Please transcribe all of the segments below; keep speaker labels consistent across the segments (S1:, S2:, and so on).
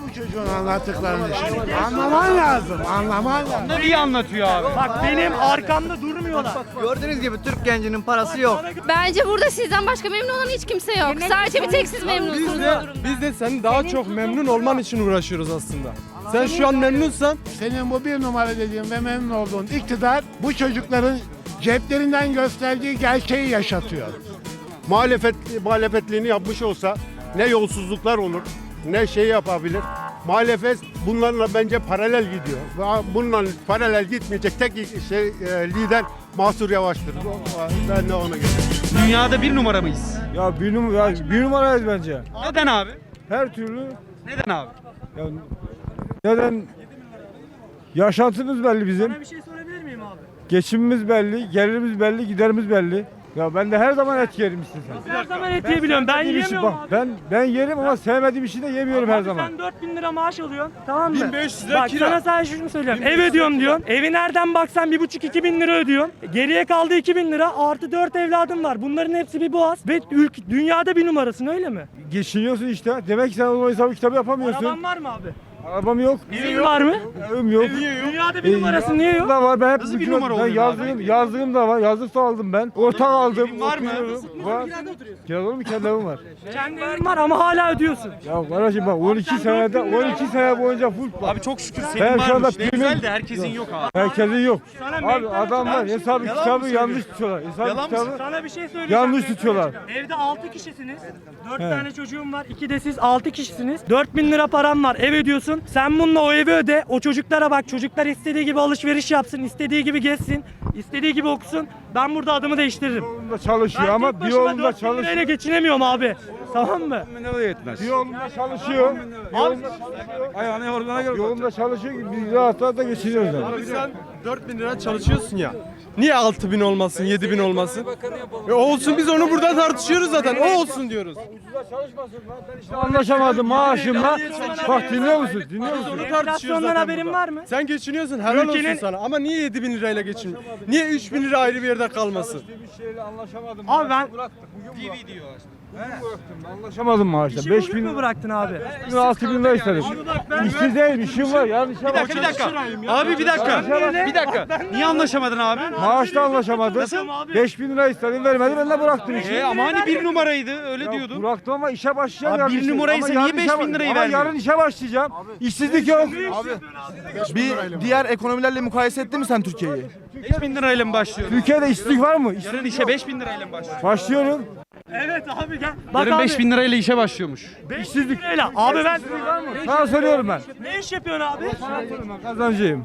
S1: bu çocuğun anlattıklarını şimdi. Anlaman lazım, anlaman lazım.
S2: Ne iyi anlatıyor abi.
S3: Bak benim arkamda durmuyorlar.
S4: Gördüğünüz gibi Türk gencinin parası yok.
S5: Bence burada sizden başka memnun olan hiç kimse yok. Sadece bir tek siz memnunsunuz bu durumda.
S6: Biz de senin daha çok memnun olman için uğraşıyoruz aslında. Sen şu an memnunsan
S1: Senin bu bir numara dediğin ve memnun olduğun iktidar bu çocukların ceplerinden gösterdiği gerçeği yaşatıyor.
S7: Muhalefetliğini yapmış olsa ne yolsuzluklar olur, ne şey yapabilir. Muhalefet bunlarla bence paralel gidiyor. Bununla paralel gitmeyecek tek lider Mansur Yavaş'tır. Ben de ona göre.
S2: Dünyada bir numara mıyız?
S8: Ya bir numarayız bence.
S2: Neden abi?
S8: Her türlü.
S2: Neden abi?
S8: Ya, neden? Yaşantımız belli bizim.
S3: Bir şey sorabilir miyim abi?
S8: Geçimimiz belli, gelirimiz belli, giderimiz belli. Ya ben de her zaman et yerim istesem.
S3: Her zaman et yiyebiliyorum. Ben
S8: Sevmediğim işi-
S3: yiyemiyorum
S8: bak,
S3: abi.
S8: ben yerim ama sevmediğim işi de yemiyorum her
S3: Abi
S8: zaman.
S3: sen 4000 lira maaş alıyorsun, tamam mı?
S6: 1500 lira
S3: Bak
S6: kira.
S3: sana sadece şunu söylüyorum. Ev ödüyorum diyorsun. Evi nereden baksan 1,5-2 bin lira ödüyorsun. Geriye kaldı 2 bin lira. Artı 4 evladım var. Bunların hepsi bir boğaz. Ve dünyada bir numarasın, öyle mi?
S8: Geçiniyorsun işte. Demek ki sen o hesabı kitabı yapamıyorsun.
S3: Araban var mı abi?
S8: Arabam yok.
S3: Evin var mı?
S8: Evim yok.
S3: Dünyada bir numarasın, niye yok?
S8: Da var. Ben hep
S2: Nasıl bir
S8: bütün-
S2: numara
S8: ben
S2: oluyor
S8: yazdığım da var. Yazlık da aldım ben. Ortak aldım.
S2: Evin var mı?
S8: oturuyorum. Var. Kirada olur mu? Kendi evim var.
S3: Kendi evin var ama hala ödüyorsun.
S8: Ya kardeşim bak 12 sene boyunca full.
S2: Abi çok şükür
S8: Ben
S2: senin
S8: şu anda
S2: varmış. Ne
S8: primim-
S2: güzel de herkesin yok abi.
S8: Herkesin yok.
S3: Sana
S8: Abi
S3: McDonald's
S8: adamlar
S3: bir şey
S8: hesabı
S3: yalan
S8: kitabı
S3: mı
S8: yanlış tutuyorlar. Hesabı
S2: Yalan mı
S8: kitabı
S3: Sana bir şey söyleyeceğim.
S8: yanlış tutuyorlar.
S3: Evde 6 kişisiniz. 4 tane çocuğum var. 2 de siz 6 kişisiniz. 4000 lira param var. Ev ödüyorsun. Sen bununla o evi öde. O çocuklara bak. Çocuklar istediği gibi alışveriş yapsın. İstediği gibi gezsin. İstediği gibi okusun. Ben burada adımı değiştiririm.
S8: Yolunda çalışıyor
S3: Ben
S8: ama
S3: tek
S8: bir
S3: başıma
S8: yolunda
S3: 4000 lirayla
S8: çalışıyor.
S3: geçinemiyorum abi. Tamam mı?
S8: Bir yolunda çalışıyor. Yolunda çalışıyor ki biz rahatlıkla da geçiniyoruz. Yani.
S6: Abi sen 4000 lira çalışıyorsun ya. Niye 6000 olmasın, 7000 olmasın? Olsun, biz onu burada tartışıyoruz zaten. O olsun diyoruz.
S8: Anlaşamadım maaşımla. Bak dinliyor musun? Dinliyor musun?
S6: Onu tartışıyoruz
S3: Enflasyondan
S6: zaten
S3: haberin
S6: burada.
S3: var mı?
S6: Sen geçiniyorsun, helal
S3: Ülkenin-
S6: olsun sana. Ama niye 7000 lirayla geçiniyor? Niye 3000 lira ayrı bir yerde kalmasın?
S3: Abi ben
S8: Anlaşamadım maaşla.
S3: işi
S8: 5000
S3: bugün mü bıraktın abi?
S8: 6000 lira istedim. İşsiz değilim, işim var. Yani işe bak.
S2: Bir dakika. Abi bir dakika. Bir dakika. Niye anlaşamadın abi?
S8: Maaşla anlaşamadım. 5000 lira istedim vermedi, ben de bıraktım işi.
S2: Ama hani bir numaraydı öyle diyordun.
S8: Bıraktım ama işe başlayacağım.
S2: Abi
S8: yarın
S2: bir
S8: işe.
S2: numaraysa
S8: Ama
S2: niye
S8: yarın işe
S2: 5000 lirayı
S8: ama
S2: vermiyor?
S8: yarın işe başlayacağım. İşsizlik yok.
S4: Bir diğer ekonomilerle mukayese ettin mi sen Türkiye'yi?
S2: 5000 lirayla mı başlıyorsun?
S8: Türkiye'de işsizlik var mı?
S2: Yarın işe 5000 lirayla mı başlıyorsun?
S8: Başlıyorum.
S3: Evet abi gel. Bak
S2: Yarın
S3: abi,
S2: 5000 lirayla işe başlıyormuş.
S3: 500 lirayla. Abi ben
S8: Sana soruyorum ben.
S3: ne iş yapıyorsun abi?
S8: Kazancıyım.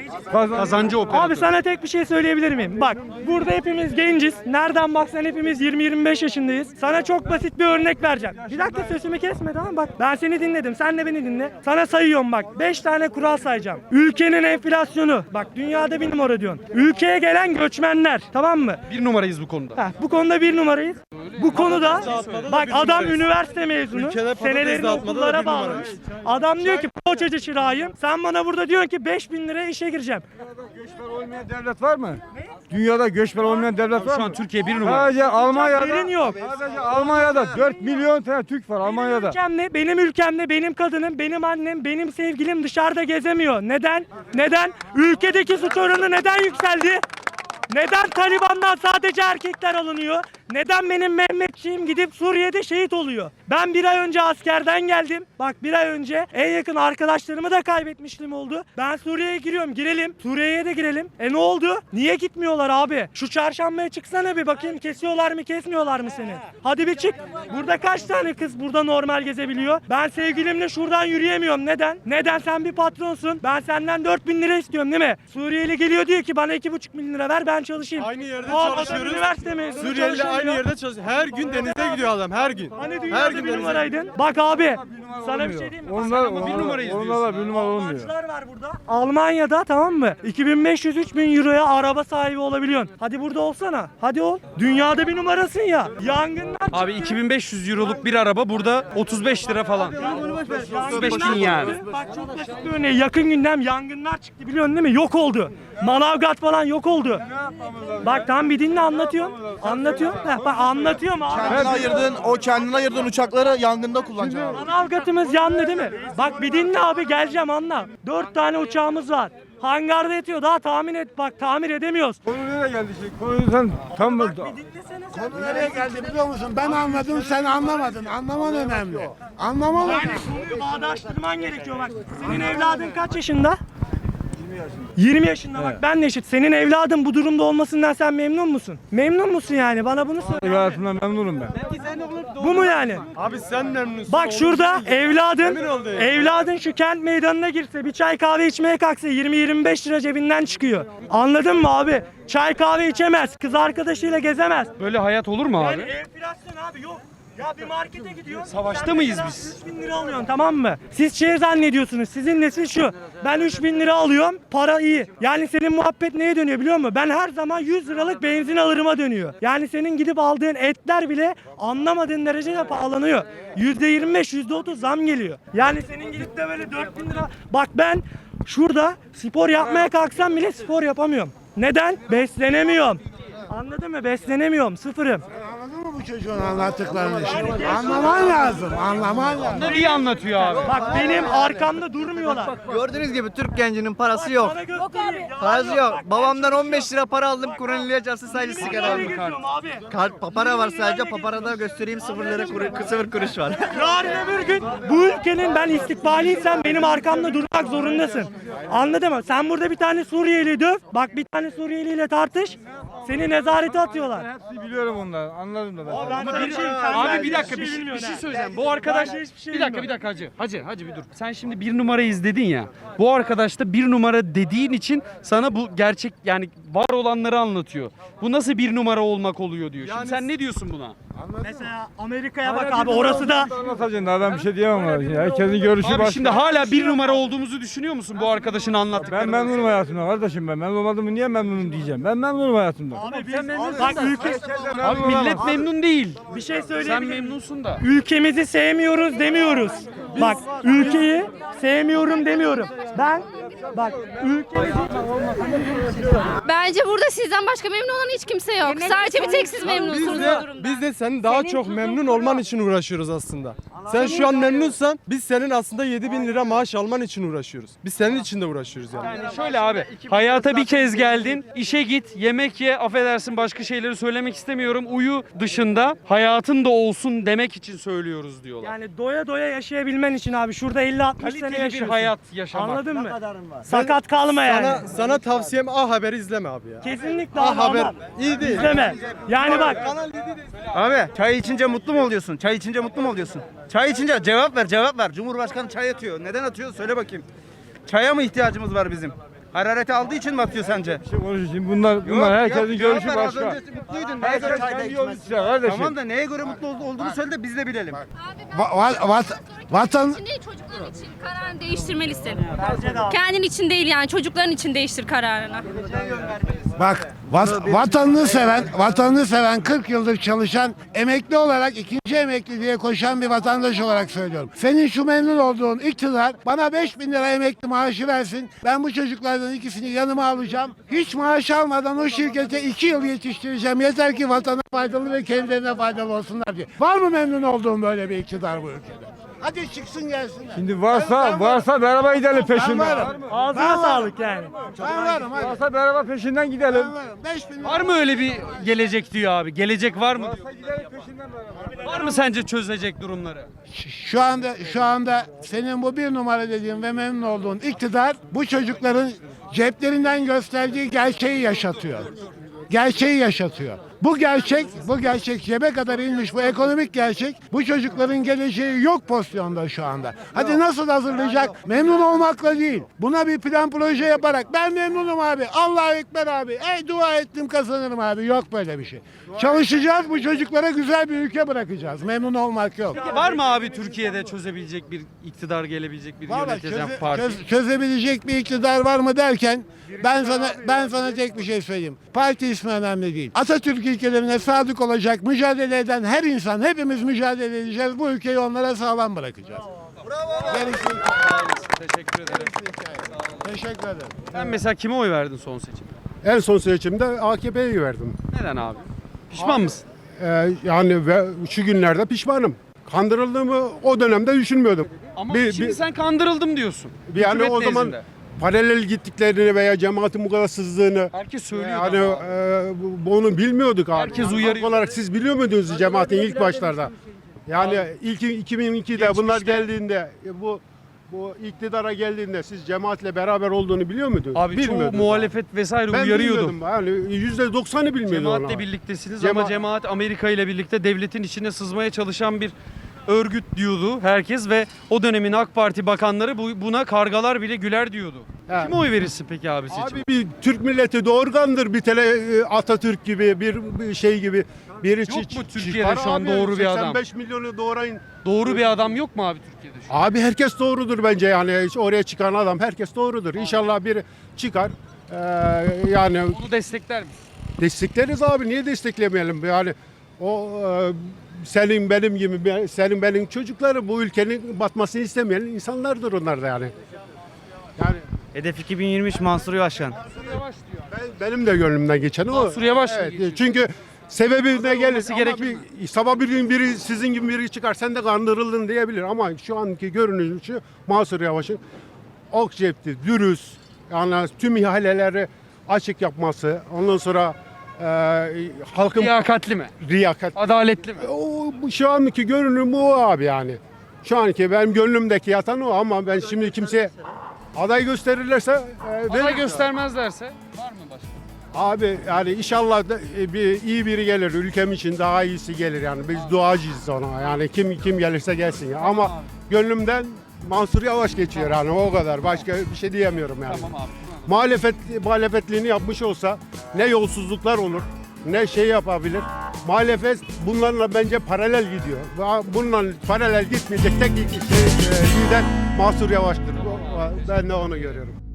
S2: Kazancı operatör.
S3: Abi sana tek bir şey söyleyebilir miyim? Bak burada hepimiz genciz. Nereden baksan hepimiz 20-25 yaşındayız. Sana çok basit bir örnek vereceğim. Bir dakika sözümü kesme, tamam bak. Ben seni dinledim. Sen de beni dinle. Sana sayıyorum bak. 5 tane kural sayacağım. Ülkenin enflasyonu. Bak dünyada bir numara diyorsun. Ülkeye gelen göçmenler. Tamam mı?
S2: Bir numarayız bu konuda.
S3: Heh, bu konuda bir numarayız. Bu konuda bak adam üniversite mezunu.
S6: Ülkede patates
S3: Senelerini
S6: dağıtmada da
S3: okullara
S6: bir
S3: bağlamış.
S6: numarayız.
S3: Adam diyor ki poğaçacı çırağıyım. Sen bana burada diyorsun ki 5000 liraya işe gireceğim.
S8: Göçmen olmayan devlet var mı? Dünyada göçmen olmayan devlet var
S2: Şu
S8: mı?
S2: an Türkiye bir numara.
S8: Sadece Almanya'da,
S3: Haberin yok.
S8: sadece Almanya'da 4 milyon tane Türk var Almanya'da.
S3: Benim ülkemde benim kadınım, benim annem, benim sevgilim dışarıda gezemiyor. Neden? Neden? Ülkedeki suç oranı neden yükseldi? Neden Taliban'dan sadece erkekler alınıyor? Neden benim Mehmetçiğim gidip Suriye'de şehit oluyor? Ben bir ay önce askerden geldim. Bak bir ay önce en yakın arkadaşlarımı da kaybetmiştim oldu. Ben Suriye'ye giriyorum. Girelim. Suriye'ye de girelim. Ne oldu? Niye gitmiyorlar abi? Şu çarşambaya çıksana bir bakayım. Kesiyorlar mı kesmiyorlar mı seni? Hadi bir çık. Burada kaç tane kız burada normal gezebiliyor? Ben sevgilimle şuradan yürüyemiyorum. Neden? Neden? Sen bir patronsun. Ben senden 4000 lira istiyorum değil mi? Suriyeli geliyor diyor ki bana 2,5 bin lira ver ben çalışayım.
S6: Aynı yerde
S3: Adam
S6: çalışıyoruz.
S3: üniversite mezunu
S6: Suriyeliler
S3: çalışamıyor.
S6: aynı yerde çalışıyor. Her gün denize gidiyor adam, her gün.
S3: Hani
S6: Her
S3: dünyada
S6: gün
S3: bir
S6: denize
S3: numaraydın. Bak abi sana bir şey diyeyim mi?
S8: Onlar
S2: bir numarayız
S8: Onlarla bir numara olmuyor.
S3: Almancılar var burada. Almanya'da tamam mı? 2500-3000 euroya araba sahibi olabiliyorsun. Hadi burada olsana. Hadi ol. Dünyada bir numarasın ya. Yangınlar
S2: Abi 2500 euroluk bir araba burada 35 lira falan. 35 bin yani.
S3: Bak çok basit bir örneği. Yakın gündem yangınlar çıktı biliyorsun değil mi? Yok oldu. Manavgat falan yok oldu. Bak tam bir dinle anlatıyorum. Anlatıyorum. Heh, bak anlatıyorum abi.
S4: Kendine ayırdığın uçakları yangında kullanacaksın abi.
S3: Manavgatımız yandı değil mi? Bak bir dinle abi geleceğim anla. 4 tane uçağımız var. Hangarda yatıyor daha tahmin et bak tamir edemiyoruz.
S8: Konu nereye geldi şimdi? Konuyu sen tam mı?
S1: Konu nereye geldi biliyor musun? Ben anladım, sen anlamadın. Anlaman önemli. Anlaman önemli.
S3: Konuyu bağdaştırman gerekiyor bak. Senin evladın kaç yaşında? 20 yaşında bak ben de eşit. Senin evladın bu durumda olmasından sen memnun musun? Memnun musun yani? Bana bunu söyle.
S8: Hayatımdan memnunum ben.
S3: Bu mu yani?
S6: Abi sen memnunsun.
S3: Bak şurada
S6: Emin ol diye.
S3: evladın şu kent meydanına girse bir çay kahve içmeye kalksa 20-25 lira cebinden çıkıyor. Anladın mı abi? Çay kahve içemez, kız arkadaşıyla gezemez.
S2: Böyle hayat olur mu
S3: Yani
S2: abi?
S3: enflasyon abi yok. Ya bir markete gidiyorsun.
S2: Savaşta
S3: sen
S2: mıyız
S3: mesela
S2: biz?
S3: 3.000 lira alıyorsun tamam mı? Siz şey zannediyorsunuz. Sizin nesil şu. Ben 3.000 lira alıyorum. Para iyi. Yani senin muhabbet neye dönüyor biliyor musun? Ben her zaman 100 liralık benzin alırıma dönüyor. Yani senin gidip aldığın etler bile anlamadığın derecede pahalanıyor. %25, %30 zam geliyor. Yani senin gidip de böyle 4.000 lira. Bak ben şurada spor yapmaya kalksam bile spor yapamıyorum. Neden? Beslenemiyorum. Anladın mı? Beslenemiyorum. Sıfırım.
S1: Anladın mı bu çocuğun anlattıklarını şimdi? Anlaman lazım, anlaman lazım.
S2: Bunlar iyi anlatıyor abi.
S3: Bak benim arkamda durmuyorlar.
S9: Gördüğünüz gibi Türk gencinin parası yok.
S3: Bana göstereyim.
S9: Parası yok. Babamdan 15 lira para aldım. Kur'an-ı çarpsın sadece sigara
S3: Sigara
S9: aldım.
S3: geziyorum abi.
S9: Papara var sadece. Paparada göstereyim 0 lira 0 kuruş var.
S3: Yarın öbür gün bu ülkenin ben istikbaliysem benim arkamda durmak zorundasın. Anladın mı? Sen burada bir tane Suriyeli döv. Bak bir tane Suriyeliyle tartış. Seni nezarete atıyorlar.
S8: Hepsini biliyorum onları. Anladım da ben.
S2: Abi bir dakika bir şey söyleyeceğim. Bu arkadaş bir dakika hacı bir dur. Sen şimdi bir numarayı izledin ya. Bu arkadaş da bir numara dediğin için sana bu gerçek yani var olanları anlatıyor. Bu nasıl bir numara olmak oluyor diyor. Şimdi sen ne diyorsun buna?
S3: Mesela Amerika'ya bak abi orası da
S8: Anlatacaksın daha ben bir şey diyemem abi. Herkesin görüşü
S2: Abi
S8: başka.
S2: şimdi hala bir numara olduğumuzu düşünüyor musun bu arkadaşın
S8: Ben
S2: anlattıklarını?
S8: memnunum hayatımdan kardeşim ben. Memnun olmadığımı niye memnunum diyeceğim. Ben memnunum hayatımdan.
S3: abi biz bak ülke
S2: Abi millet memnun değil.
S3: bir şey
S2: Sen
S3: söyleyebilirim.
S2: memnunsun da.
S3: Ülkemizi sevmiyoruz demiyoruz. Bak ülkeyi sevmiyorum demiyorum. Ben bak ülkemizi
S5: Bence burada sizden başka memnun olan hiç kimse yok. Sadece bir tek siz memnunsunuz bu durumda.
S6: Biz de senin daha çok memnun olman için uğraşıyoruz aslında. Sen şu an memnunsan biz senin aslında 7.000 lira maaş alman için uğraşıyoruz. Biz senin için de uğraşıyoruz yani.
S2: Yani şöyle abi, hayata bir kez geldin, işe git, yemek ye, affedersin başka şeyleri söylemek istemiyorum. Uyu dışında hayatın da olsun demek için söylüyoruz diyorlar.
S3: yani doya doya yaşayabilmen için abi şurada 50-60 sene
S2: Kaliteli bir
S3: yaşıyorsun.
S2: hayat yaşamak.
S3: Anladın mı? Sakat kalma yani.
S6: Sana tavsiyem A Haber'i izleme abi ya.
S3: Kesinlikle
S6: A
S3: abi
S6: Haber
S3: ama
S6: iyi değil.
S3: izleme. Yani bak
S9: Abi çay içince mutlu mu oluyorsun? Çay içince mutlu mu oluyorsun? Çay içince cevap ver. Cumhurbaşkanı çay atıyor. Neden atıyor? Söyle bakayım. Çaya mı ihtiyacımız var bizim? Harareti aldığı için mi atıyor sence?
S8: Bir şey konuşayım. Bunlar herkesin görüşü
S9: Cevap ver, az
S8: başka.
S9: önce mutluydun. Neye göre
S8: Herkes
S9: çayda
S8: kendi yolu
S9: içmez?
S8: istiyor kardeşim.
S9: Tamam da neye göre mutlu olduğunu söyle de biz de bilelim.
S1: Vatan
S5: Şimdi çocukların için kararını değiştirmelisin. Kendin için değil yani çocukların için değiştir kararını.
S1: bak vatanını seven 40 yıldır çalışan emekli olarak ikinci emekliliğe koşan bir vatandaş olarak söylüyorum. Senin şu memnun olduğun iktidar bana 5.000 lira emekli maaşı versin. Ben bu çocuklardan ikisini yanıma alacağım. Hiç maaş almadan o şirkete 2 yıl yetiştireceğim. Yeter ki vatana faydalı ve kendilerine faydalı olsunlar diye. Var mı memnun olduğun böyle bir iktidar bu ülkede? Hadi çıksın gelsin.
S8: Şimdi varsa beraber gidelim
S1: Ben
S8: peşinden.
S1: varım.
S3: ağzına
S1: Ben
S3: sağlık yani.
S1: Ben varım hadi.
S8: Varsa beraber peşinden gidelim.
S1: Ben varım. 5.000 lira.
S2: Var mı öyle bir gelecek diyor abi? Gelecek var mı diyor.
S8: Gidelim peşinden beraber.
S2: Var mı sence çözecek durumları?
S1: Şu anda senin bu bir numara dediğin ve memnun olduğun iktidar bu çocukların ceplerinden gösterdiği gerçeği yaşatıyor. Gerçeği yaşatıyor. Bu gerçek cebe kadar inmiş bu ekonomik gerçek bu çocukların geleceği yok pozisyonda şu anda. Hadi nasıl hazırlayacak? Memnun olmakla değil. Buna bir plan proje yaparak ben memnunum abi. Allahu Ekber abi. Dua ettim kazanırım abi. Yok böyle bir şey. Çalışacağız bu çocuklara güzel bir ülke bırakacağız. Memnun olmak yok.
S2: Var mı abi Türkiye'de çözebilecek bir iktidar gelebilecek bir
S1: Vallahi
S2: yöneteceğim parti?
S1: çözebilecek bir iktidar var mı derken ben sana tek bir şey söyleyeyim. Parti ismi önemli değil. Atatürk ilkelerine sadık olacak, mücadele eden her insan hepimiz mücadele edeceğiz. Bu ülkeyi onlara sağlam bırakacağız. Bravo.
S2: Teşekkür ederim.
S1: Teşekkür ederim.
S2: Sen mesela kime oy verdin son seçim?
S7: En son seçimde AKP'ye verdim.
S2: Neden abi? Pişman mısın?
S7: Yani ve şu günlerde pişmanım. Kandırıldığımı o dönemde düşünmüyordum.
S2: Ama
S7: Bir-
S2: şimdi
S7: bir-
S2: sen kandırıldım diyorsun.
S7: Yani
S2: Hükümet
S7: o zaman
S2: nezdinde.
S7: paralel gittiklerini veya cemaatin bu kadar sızdığını
S2: Herkes söylüyor.
S7: yani
S2: ama.
S7: bunu bilmiyorduk abi.
S2: Herkes
S7: Yani
S2: uyarıyor.
S7: halk olarak siz biliyor muydunuz cemaatin ilk başlarda? Yani ilk 2002'de bunlar
S2: Geçmişte.
S7: geldiğinde bu iktidara geldiğinde siz cemaatle beraber olduğunu biliyor muydunuz?
S2: Abi çoğu
S7: Bilmiyordunuz.
S2: muhalefet vesaire
S7: Ben
S2: uyarıyordu.
S7: bilmiyordum. Yani %90'ı bilmiyordum.
S2: Cemaatle
S7: ona.
S2: birliktesiniz ama
S7: Cema-
S2: cemaat Amerika ile birlikte devletin içine sızmaya çalışan bir örgüt diyordu herkes ve o dönemin AK Parti bakanları buna kargalar bile güler diyordu.
S7: He.
S2: Kime oy verirsin peki abi seçim?
S7: Abi bir Türk milleti doğurgandır bir Atatürk gibi bir şey gibi biri
S2: Yok mu
S7: çıkar
S2: Türkiye'de şu an
S7: abi,
S2: doğru bir adam?
S7: 85 milyonu doğrayın.
S2: Doğru bir adam yok mu abi Türkiye'de şu an?
S7: Abi herkes doğrudur bence yani oraya çıkan adam herkes doğrudur. İnşallah biri çıkar. Yani
S2: Onu destekler misin?
S7: destekleriz abi niye desteklemeyelim yani o senin benim gibi senin benim çocukları bu ülkenin batmasını istemeyen insanlardır onlar da yani. Yani
S9: Hedef 2023 Mansur Yavaş Başkan.
S7: benim de gönlümden geçen o.
S2: Mansur Yavaş mı
S7: Evet,
S2: geçiyor?
S7: çünkü sebebi ne gelir?
S2: olması
S7: Ama
S2: gerekir
S7: sabah bir gün biri sizin gibi biri çıkar sen de kandırıldın diyebilir ama şu anki görünüşü Mansur Yavaş'ın ok cepti, dürüst, yani tüm ihaleleri açık yapması, ondan sonra halkın
S2: Liyakatli mi?
S7: riyakat.
S2: Adaletli mi?
S7: Şu anki görünüm o abi yani. Şu anki benim gönlümdeki yatan o ama ben şimdi kimseye aday gösterirlerse
S2: Aday
S7: veririm.
S2: göstermezlerse var mı başka?
S7: Abi yani inşallah da, iyi biri gelir. Ülkem için daha iyisi gelir yani. Biz duacıyız ona. Yani kim gelirse gelsin ya. Ama gönlümden Mansur Yavaş geçiyor yani o kadar. Başka bir şey diyemiyorum yani.
S2: Tamam abi.
S7: Muhalefetliğini yapmış olsa ne yolsuzluklar olur ne şey yapabilir. Muhalefet bunlarla bence paralel gidiyor. Bununla paralel gitmeyecek tek lider Mansur Yavaş'tır. Ben de onu görüyorum.